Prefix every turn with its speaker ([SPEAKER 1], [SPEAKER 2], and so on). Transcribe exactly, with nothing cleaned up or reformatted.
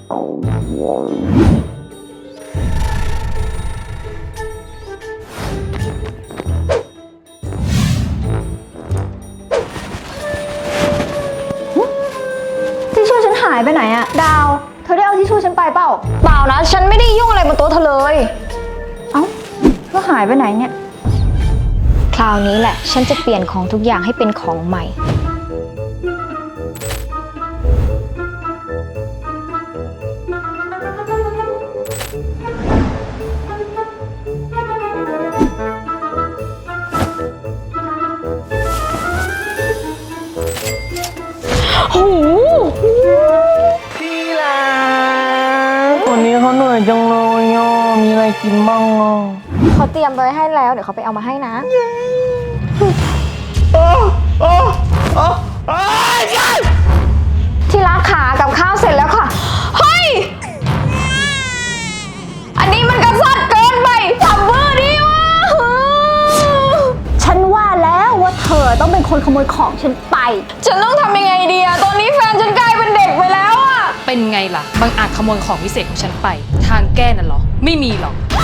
[SPEAKER 1] ทิชชู่ฉันหายไปไหนอะดาวเธอได้เอาทิชชู่ฉันไปเปล่า
[SPEAKER 2] เปล่านะฉันไม่ได้ยุ่งอะไรบนโต๊ะเธอเลย
[SPEAKER 1] เอ้าแล้วหายไปไหนเนี่ย
[SPEAKER 2] คราวนี้แหละฉันจะเปลี่ยนของทุกอย่างให้เป็นของใหม่โอ้
[SPEAKER 3] พี่ลาวันนี้เขาเหนื่อยจังเลยอ่ะมีอะไรกินบ้างอ่ะ
[SPEAKER 2] เขาเตรียมไว้ให้แล้วเดี๋ยวเขาไปเอามาให้นะ
[SPEAKER 3] โอ้โอ้โอ้โอ้ย
[SPEAKER 2] ที่รักขากับข้าวเสร็จแล้วค่ะเฮ้ยอันนี้มันกระสัดเกินไปทำเบอร์ดีวะ
[SPEAKER 1] ฉันว่าแล้วว่าเธอต้องเป็นคนขโมยของฉันไป
[SPEAKER 2] ฉันต้องทำยังไงดีอะตอนนี้แฟนฉันกลายเป็นเด็กไปแล้วอะ
[SPEAKER 4] เป็นไงล่ะบางอาจขโมยของวิเศษของฉันไปทางแก้น่ะเหรอไม่มีหรอก